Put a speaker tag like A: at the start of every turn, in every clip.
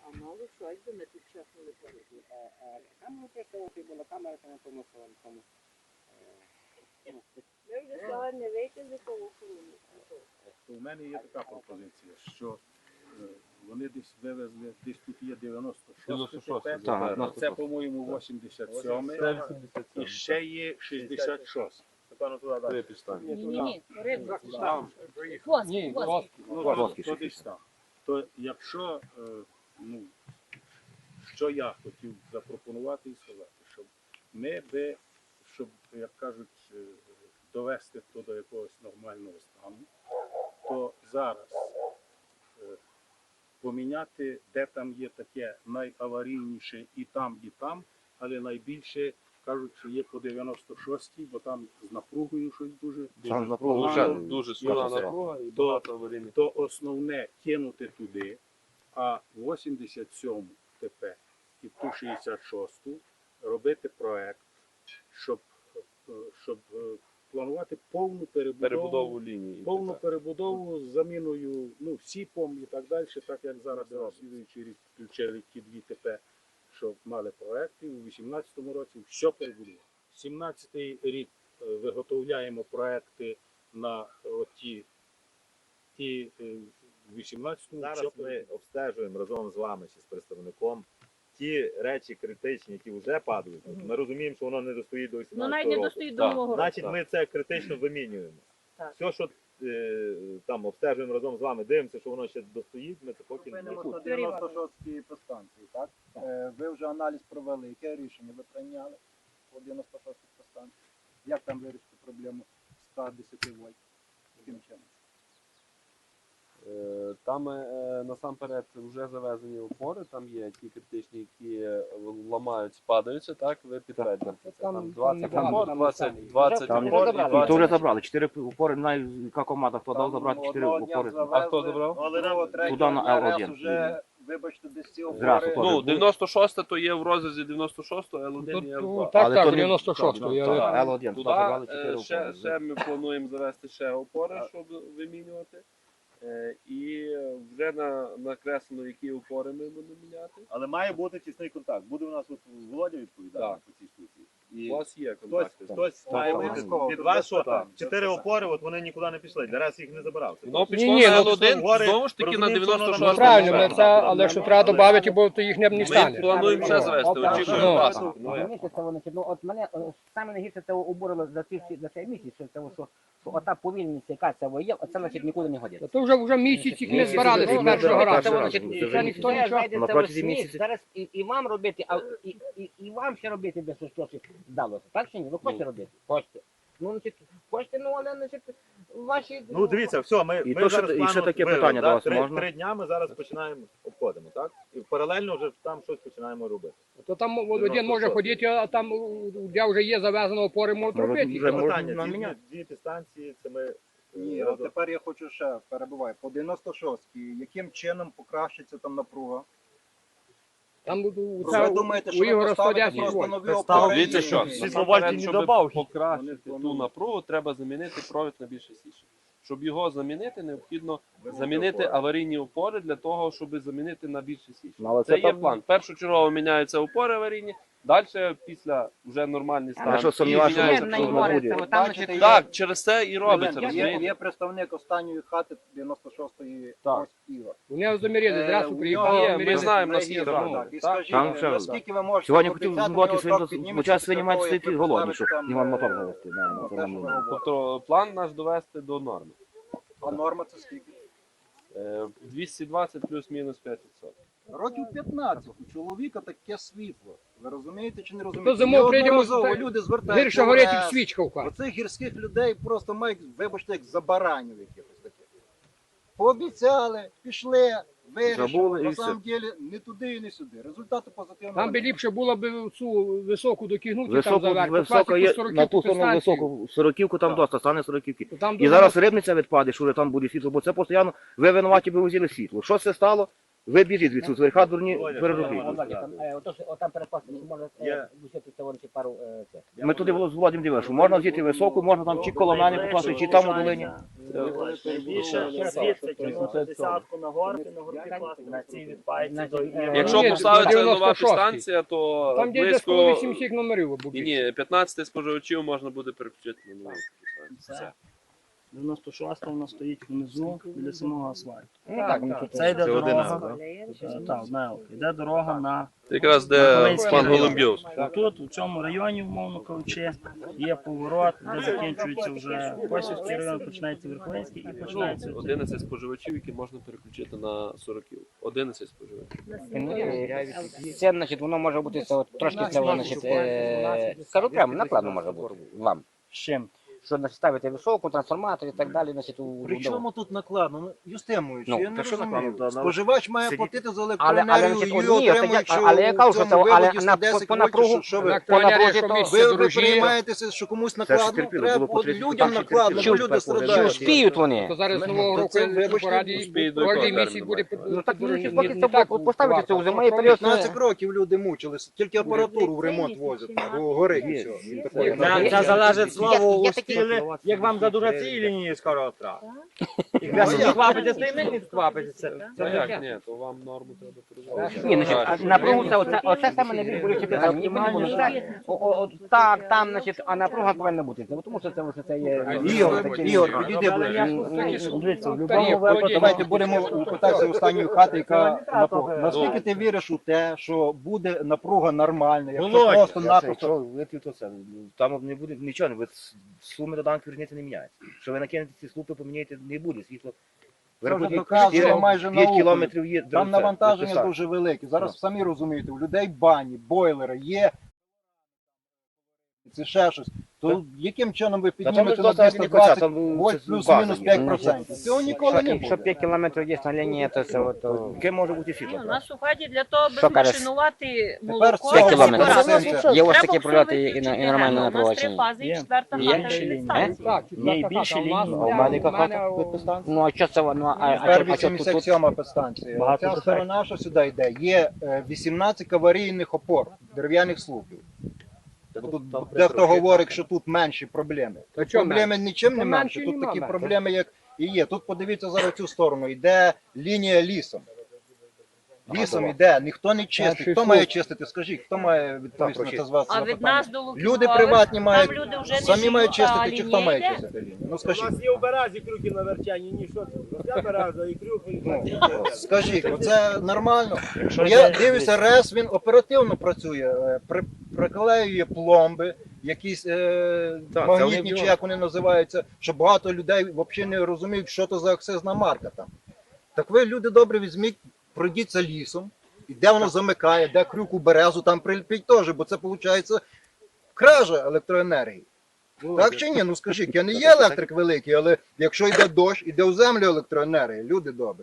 A: А мало що, якби ми тут чесно не порозуміли.
B: Камеру поставити була камера на тому самому.
A: Ми вже сьогодні вийти з якого охорони.
C: У мене є така пропозиція, що вони десь вивезли, десь тут є 96 ТП,
D: Так,
C: це, по-моєму, 87 і ще є 66.
D: Три підстави.
A: Ні, рибу.
D: Ні,
C: То десь там. То якщо, що я хотів запропонувати і сказати, щоб ми би, щоб, як кажуть, довести то до якогось нормального стану, то зараз поміняти, де там є таке найаварійніше і там, але найбільше кажуть, що є по 96-й, бо там з напругою щось дуже.
D: Там з напругою вже
C: дуже
D: сильна напруга і багато аварійних.
C: То основне кинути туди, а 87 ТП і ту 66 робити проект, щоб планувати повну перебудову
D: лінії.
C: повну перебудову з заміною СІПом і так далі, так як зараз слідуючий рік включили ті дві ТП, що мали проекти, у 2018 році все перебудували. 2017 рік виготовляємо проекти на ті в 18-му.
E: Зараз ми обстежуємо разом з вами чи з представником ті речі критичні, які вже падають. Ми розуміємо, що воно не достоїть до 18
A: Ну навіть
E: року.
A: не достоїть до нового року.
E: Значить, ми це критично вимінюємо.
A: Так.
E: Все, що там обстежуємо разом з вами, дивимося, що воно ще достоїть, ми це поки не
B: Зупинимося на 96-й подстанції, так? Ви вже аналіз провели. Яке рішення ви прийняли по 96-й подстанції? Як там вирішити проблему 110 вольт? Яким чином?
D: Там насамперед вже завезені опори, там є ті критичні, які ламають, спадаються, так, ви підтверджуєте. Там 20 опор, 20
F: Там
D: опор.
F: і то вже забрали. 4 упори, не знаю, яка команда, хто дав забрати 4 упори.
D: А хто забрав?
E: Але нам
F: Туди на Л1.
B: Вже, вибачте, десь ці
F: Зразу
B: опори.
D: Ну, 96 то є в розрізі 96-го, L1 і L2.
F: Але
G: Так,
F: то не-
G: 96-го.
F: Л1, туди забрали 4
D: Туди ще
F: упори.
D: ми плануємо завести ще опори, щоб вимінювати. І вже накреслено, які опори ми будемо міняти.
E: Але має бути тісний контакт. Буде у нас от Володя відповідати
D: Так.
E: по цій штуці.
D: У
E: І
D: вас є
E: хтось,
D: контакти.
E: хтось має бути
B: обов'язково.
E: від вас, що
B: Так.
E: 4 опори, от вони нікуди не пішли. Зараз їх не забрав. Це
D: Воно
E: точно.
D: пішло
G: Ні,
D: на
G: ну,
D: L1,
E: говорить,
D: знову ж таки на
E: розуміємо, що воно
D: 96-му.
G: Ну, правильно, ми
E: Правильно.
G: це, але що треба додати, бо то їх не
D: Ми
G: стане.
D: плануємо ще завести, очікуємо
G: Ну.
D: вас.
H: Розумієте, це вони, ну, от мене саме найгірше це обурило за цей місяць, що ота повільність, яка це є, оце, значить, нікуди не годиться.
G: То вже місяць їх не збирали з першого разу. Це ніхто нічого.
F: На протязі місяця.
H: Зараз і вам робити, і вам ще робити, без що вдалося. Так чи ні? Ви хочете робити? Хочете. Ну, значить, хочете, ну, але, значить, ваші...
E: Ну дивіться, все, ми
F: І
E: ми
F: то,
E: зараз
F: що- і
E: план
F: ще
E: от
F: таке
E: вивели,
F: питання
E: да,
F: до вас
E: три-
F: можна?
E: 3 дня ми зараз починаємо, обходимо, так? І паралельно вже там щось починаємо робити.
G: То там один може ходити, а там, де вже є завезено опори, можуть
F: Ну,
G: робити.
F: вже
E: Це
F: можна
E: питання,
F: наміняти.
E: дві підстанції, це ми...
B: Ні, от тепер я хочу ще перебуваю. По 96-й, яким чином покращиться там напруга?
G: Там
B: Ви думаєте, що
G: у
B: ви
G: Ігора
B: поставите
G: 110
B: просто
G: вольт.
B: нові опори?
D: Дивіться, що
B: і-
D: насамперед, щоб покращити ту напругу, треба замінити провід на більше січі. Щоб його замінити, необхідно замінити аварійні опори для того, щоб замінити на більше січі.
F: Ну, але
D: Це
F: це
D: є
F: там-
D: план. Першочергово міняються опори аварійні, далі після вже нормальний стан.
F: Я що сумніваюся,
D: і
F: що
D: міняються
F: це
D: проводи.
F: буде.
B: Бачите, є-
D: Так, через це і робиться,
B: Є,
D: розумієте?
B: є представник останньої хати 96-ї
D: Так.
B: ось Ігор.
G: Вони заміряли, зразу
B: У
G: приїхали.
B: нього
D: Є, ми
G: заміряли.
D: знаємо, у нас є
B: Так,
D: дані.
B: так. І
D: Так.
B: скажіть,
F: Там ще-
B: наскільки ви можете
F: Сьогодні хотів
B: пообіцяти,
F: згодити,
B: його
F: що
B: так
F: він
B: підніметься
F: час
B: після
F: сьогодні мають
B: того, як
F: стоїти
B: ви
F: голодні, щоб
B: поставите
F: не
B: там,
F: мотор завести.
B: те, що ви говорите.
D: Тобто план наш довести до норми.
B: А норма це скільки?
D: 220 плюс-мінус 5%.
B: Років 15 у чоловіка таке світло. Ви розумієте чи не
G: То
B: розумієте?
G: зимою прийдемо,
B: Неодноразово люди звертаються.
G: гірше горить, як свічка в хаті.
B: Оцих гірських людей просто мають, вибачте, як за баранів якихось таких. Пообіцяли, пішли, вирішили.
F: Забули і
B: На
F: все.
B: самом деле не туди і не сюди. Результати позитивного.
G: Там би
B: немає.
G: ліпше було б цю високу докигнути там
F: Високо,
G: заверх.
F: високо є,
G: Покласти
F: на ту
G: 40-ку
F: сторону
G: підстанцію.
F: високу, 40-ку там доста, стане 40-ки.
G: То там
F: І
G: дуже
F: зараз рибниця відпаде, що вже там буде світло, бо це постійно ви винуваті би взяли світло. Що це стало? Ви біжіть від з верха дурні, переробіть.
H: Отам перепасти, може висити це вони пару це.
F: Ми туди з Володимиром дивилися, що можна взяти високу, можна там чи коло мене покласти, чи там у долині.
I: Більше звідси тягнути десятку на горки класти, на цій відпайці до
D: Якщо
G: Ні,
D: поставиться нова
G: 96-й.
D: підстанція, то
G: Там де десь коло
D: близько
G: 8 всіх номерів
D: ні,
G: буде.
D: ні, 15 споживачів можна буде переключити на нову підстанцію. Все.
I: 96 у нас стоїть внизу біля самого асфальту.
H: Ну так, ну тут
I: Це йде
E: Це один
I: дорога.
E: раз,
I: Так, одна елка. Йде дорога на
D: Це якраз де пан Голубйов.
I: тут, у цьому районі, умовно кажучи, є поворот, де закінчується вже Косівський район, починається Верховинський і починається.
D: 11 споживачів, які можна переключити на 40. 11 споживачів.
H: це, значить, воно може бути це, от, трошки це, значить, скажу прямо, накладно може бути вам.
I: З чим?
H: Що значить, ставити високу, трансформатор і так далі, значить, у
B: При чому тут накладно? Ну, Юстемович,
H: Ну,
B: я не
F: та що
B: розумію.
F: накладно?
B: Споживач має
F: Сидіть.
B: платити за
H: Але,
B: електроенергію
H: значить,
B: і
H: ні,
B: отримують, що
H: але я кажу,
B: в
H: що
B: цьому
H: це, але
B: виводі
H: на,
B: 110
H: по
B: вольтів,
H: напругу,
B: що ви?
G: Електроенергія, що
H: напругу,
G: місце
B: Ви
G: дорожіє,
B: переймаєтеся, що комусь
F: Це ж
B: накладно,
F: терпіло,
B: треба
F: було
B: от
F: потрібно,
B: людям
F: так,
B: накладно,
F: терпіло.
B: бо люди
H: чи
B: страдають.
H: успіють вони?
G: То зараз
B: Ну,
G: нового
B: то
G: року
B: це, вибачте,
G: пораді,
D: успіють до
G: кожен
D: якого
G: місяць буде
D: терміну?
H: Ну так, ну,
G: не
H: поки це
G: так
H: поставити це у
G: варто.
H: зимовий період.
B: 15 років люди мучилися, тільки апаратуру в ремонт возять, бо горить і все. І такої
H: Це залежить
I: слово
H: є такі-
I: як вам задуже ці лінії скоро втрат. Як
B: Ну,
I: ви
B: як?
I: хвапите, то і ми не хвапитеся.
D: Та як ні, то вам норму треба перезвати.
H: Ні, значить, а напругу це оце саме найбільш болюче питання. Мені подобається так, там, значить, а напруга повинна бути. Тому що це є
B: Ігор, підійди ближче.
I: Дивіться, в
G: Та
I: будь-якому
G: ні,
I: випадку
B: Давайте будемо питатися останньої хати, яка напруга. Наскільки ти віриш у те, що буде напруга нормальна, якщо
I: Володя,
B: просто-напросто
F: Якщо ви то це, там не буде нічого, ви суми доданки різниці не міняється. Що ви накинете ці слупи, поміняєте, не буде світло.
B: Це вже доказано майже
F: 5
B: наукою.
F: кілометрів є.
B: Там навантаження дуже велике. Зараз самі розумієте, у людей бані, бойлери є. Це ще щось. То яким чином ви піднімете на 220 вольт плюс-мінус 5%? Цього ніколи не
H: Якщо
B: буде.
H: 5 кілометрів є на лінії, то це от...
F: Яке може бути
A: Ні,
F: світло?
A: у нас у хаті для того, аби
H: Що кажеш?
A: змашинувати
B: Тепер
A: молоко,
B: 5
H: кілометрів.
A: збирати.
H: Є ось
A: Треба
H: такі
A: все
H: прольоти і
A: виключити,
H: нормальне
A: у нас 3
H: напровадження.
A: фази і
I: Є.
A: 4-та
H: Є.
A: хата
I: Є.
A: від
H: Є.
A: станції.
G: Так,
I: Є і більше ліній.
F: А в мене яка хата
G: у
F: підстанція?
H: Ну, а що це воно?
B: Тепер
H: А що тут?
B: 87 підстанція.
I: Багато
B: Ця
I: питань.
B: сторона, що сюди йде, є 18 аварійних опор, дерев'яних слупів. Бо тут дехто говорить, що тут менші проблеми.
G: Та
B: Тут
G: чого
B: проблеми нічим не
G: Та
B: менші,
G: менші
B: тут
G: нема,
B: такі
G: так.
B: проблеми, як і є. Тут подивіться зараз цю сторону, йде лінія лісом. Лісом йде, ніхто не чистить.
G: Перший
B: Хто
G: слух.
B: має чистити? Скажіть, хто має відповісти на це з вас
A: А від
B: запитання?
A: нас до
B: Люди
A: Луківкових,
B: приватні
A: там
B: мають,
A: люди вже не
B: самі мають
A: живуть, а
B: чистити, чи хто
A: лінія
B: має
A: йде.
B: чистити лінію? Ну скажіть.
I: є у березі крюки на верчанні, ні, що це? Я береза і крюки.
B: Скажіть, оце нормально?
I: Якщо
B: Я
I: йде-
B: дивлюся, РЕС, він оперативно працює, приклеює пломби, якісь
F: це
B: магнітні,
F: вони
B: чи як вони називаються, що багато людей взагалі не розуміють, що це за акцизна марка там. Так ви, люди добре, візьміть, пройдіться лісом, і де воно замикає, де крюк у березу, там приліпіть теж, бо це виходить кража електроенергії. Так чи ні? Ну скажіть, я не є електрик великий, але якщо йде дощ, іде в землю електроенергія, люди добрі.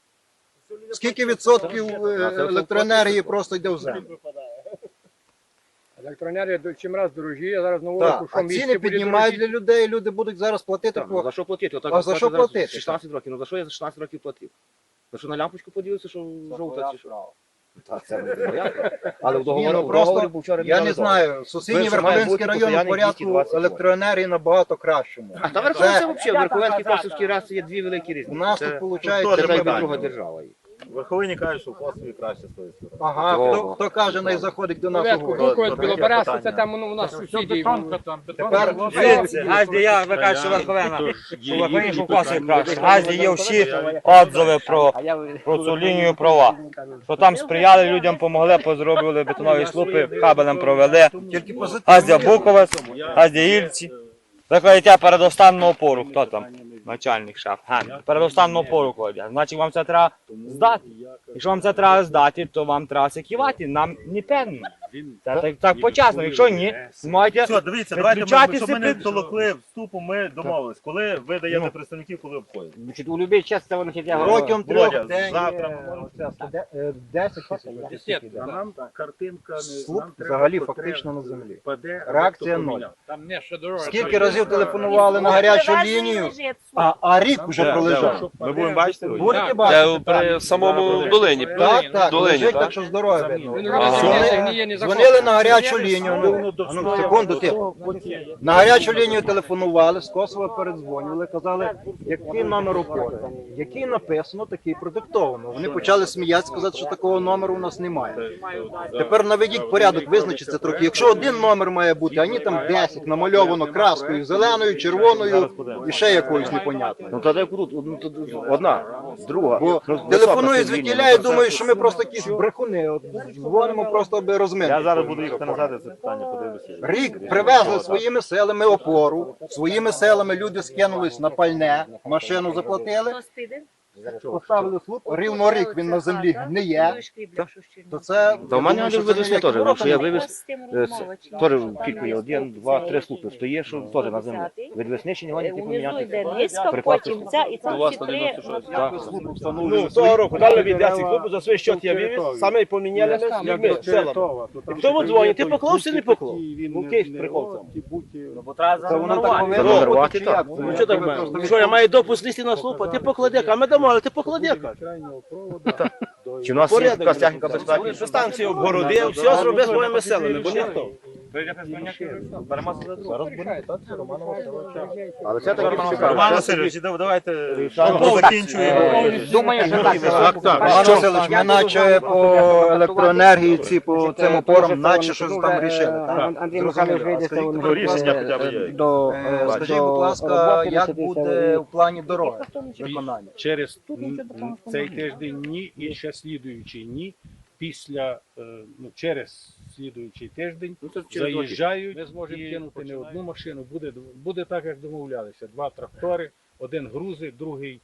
B: Скільки відсотків електроенергії просто йде в землю?
G: Електроенергія чим раз дорожіє, зараз нового
B: Так,
G: року, що
B: а
G: місце
B: ціни
G: буде
B: піднімають
G: дорожче.
B: для людей, люди будуть зараз платити
F: Так, ну
B: по...
F: за що платити? Отак
B: А за що
F: зараз
B: платити?
F: 16 років. Ну за що я за 16 років платив? За що на лампочку подивився, що жовта чи що? Так, це не моя справа. Але в
B: Ні,
F: договорі,
B: ну
F: в договорі
B: просто,
F: був вчора
B: я не
F: міняли
B: знаю, сусідній
F: Ви, що має
B: Верховинський
F: бути
B: район у
F: постоянний
B: порядку
F: 220
B: електроенергії набагато кращому.
F: договір. Та Верховенський взагалі, Верховенський Косівський раз є дві великі різниці.
B: У нас
F: Це-
B: тут виходить...
F: Це
E: Теж
F: навіть
E: питання.
F: друга держава. є.
E: В Верховині кажуть, що в Косові краще з тої сторони.
B: Ага, хто каже, не заходить до нас у
G: Порядку,
B: гості.
G: Буковець,
E: Таке
G: Білоберезка, це
E: питання.
G: там у нас сусіді.
B: Тепер
I: Газді, я ви кажете, що Верховена, що Верховені Шовкосові краще. Газді є всі отзиви про цю лінію права. Що там сприяли людям, помогли, позробили бетонові слупи, кабелем провели.
B: тільки позитивно.
I: Газдя Буковець, Газдя Ільці. Ви кладете передостанну опору, хто там? Начальник шеф. Передостанну опору кладе. Значить вам це треба здати. Якщо вам це треба здати, то вам треба секівати. Нам не певно.
C: Він
I: Так почасно, якщо ні, маєте
E: Все, дивіться, давайте,
I: Підключатися
E: щоб ми не
I: під-
E: толокли вступу, ми домовились. Коли ви даєте представників, коли обходять?
H: Значить, у будь-який час це воно я
B: Протягом
E: Володя,
B: 3 днів.
E: завтра
B: 10
C: а нам картинка не
B: Слуп
C: нам треба,
B: взагалі
C: що
B: фактично
C: треба,
B: на землі.
C: впаде, а
B: Реакція
C: хто
B: ноль.
C: поміняв.
G: Там не ще дорога.
B: Скільки разів телефонували на гарячу лінію, а рік вже
E: Де,
B: пролежав.
E: Ми будемо бачити?
B: Будете
D: Це
B: бачити?
D: при самому долині.
B: Так, так,
D: Долині,
B: лежить,
D: так?
B: так що з дороги видно.
G: Він
D: Ага.
G: вже
B: Дзвонили-
G: гниє, не
B: Дзвонили на гарячу лінію.
C: Воно
B: Ну, секунду, тихо. На гарячу лінію телефонували, з Косова передзвонювали, казали, який номер опори, який написано, такий продиктовано. Вони почали сміятися, сказати, що такого номеру у нас немає. Тепер наведіть порядок, визначиться трохи. Якщо один номер має бути, а ні там 10 намальовано краскою, зеленою, червоною і ще якоюсь непонятною.
F: Ну тоді круто, ну тоді одна, друга.
B: Бо
F: Ну,
B: телефоную
F: висока
B: звідтіля і думаю, що ми просто якісь брехуни. От дзвонимо просто аби
E: Я
B: розминути.
E: зараз буду їхати назад, і це питання подивлюся.
B: Рік привезли своїми силами опору, своїми силами люди скинулись на пальне, машину заплатили, поставили слуп, рівно рік він на землі гниє, то це...
F: Та в мене
B: я думаю, що
F: вивезли
B: це ніякі
F: теж,
B: ворота
F: що я
B: не
F: вивез, теж кілька є, 1, 2, 3 слупи стоїть, що теж на землі. Від весничі його ніхто
J: Унизу йде
F: поміняти.
J: низько, потім ця і
D: У
J: там
D: вас
J: всі
D: на
J: три.
D: 96.
F: Ну, того року дали від 10 хлопців, за свій счет я вивіз, саме поміняли з людьми, селами. І хто дзвонить, ти поклав чи не поклав? Ну, кейс прикол там.
B: Це воно так повинно
F: Номер
B: бути,
F: вати,
B: чи
F: так.
B: як?
F: Ну, що так має? Що, я маю допуск лісти на слупа, ти поклади, а ми домовили, ти поклади. Чи у нас є якась техніка безпеки?
I: Що станцію обгородив, все зробив своїми силами, бо ніхто.
F: Але це таки
E: Роман Васильович, давайте закінчуємо.
H: Думаю, що так.
B: Роман Васильович, ми наче по електроенергії, ці по цим опорам, наче щось там рішили. так?
H: Андрій Михайлович вийде,
B: Скажіть,
H: то
E: Ну, рішення хоча б є.
H: до
B: Скажіть, будь ласка, як буде в плані дороги виконання?
C: через цей тиждень ні і ще слідуючий ні. Після через слідуючий тиждень заїжджають, ми зможемо кинути не одну машину, буде так, як домовлялися. 2 трактори, один грузить, другий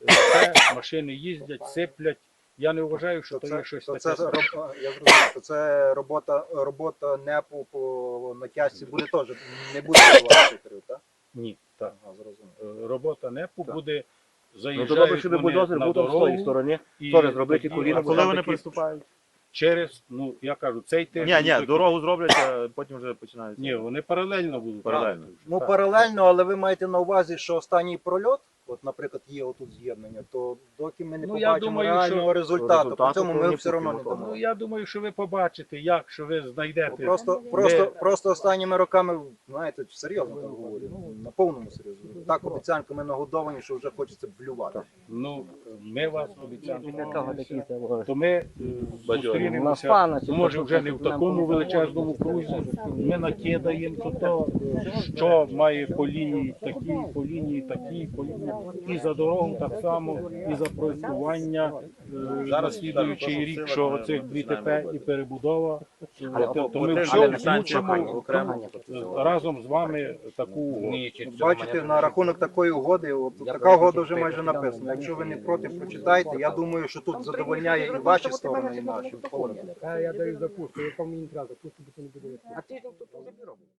C: це, машини їздять, сиплять. Я не вважаю, що це є щось
B: То
C: таке.
B: це, я зрозумів, то це робота НЕПу по натяжці буде теж, не буде давати шиферів, так?
C: Ні, так.
B: Ага, зрозумів.
C: Робота НЕПу
B: Так.
C: буде,
F: Ну, то
C: заїжджають
F: добре, щоб
C: вони
F: бульдозер
C: на
F: був там з тої
C: дорогу.
F: сторони,
C: і
F: теж зробити
C: тоді-
F: коліна.
E: А коли вони приступають?
C: Через, я кажу, цей тиждень.
E: Ні, дорогу зроблять, а потім вже починають.
C: Ні, вони паралельно будуть.
E: Паралельно.
B: Ну, паралельно, але ви маєте на увазі, що останній прольот, от, наприклад, є отут з'єднання, то доки ми не
C: Ну, я
B: побачимо
C: думаю,
B: реального
C: що
B: результату, по цьому ми
F: повинні
B: все одно не
F: бути
B: дамо.
C: Ну, я думаю, що ви побачите, як, що ви знайдете.
B: Просто останніми роками, знаєте, серйозно так говорю, на повному серйозі. Так обіцянками нагодовані, що вже хочеться блювати.
C: Ну, ми вас обіцяємо.
H: того.
C: То ми зустрінемося, може вже не в такому величезному крузі. Ми накидаємо то, що має по лінії такі, по лінії такі, по лінії. І за дорогу так само, і за проєктування. Зараз слідуючий рік, що оцих 2 ТП і перебудова, то ми все включимо разом з вами таку угоду.
B: Бачите, на рахунок такої угоди, от така угода вже майже написана. Якщо ви не проти, прочитайте. Я думаю, що тут задовольняє і ваші сторони, і наші.
G: Я даю запустку, яка мені не треба, запустку не буде.
H: А ти тут робиш?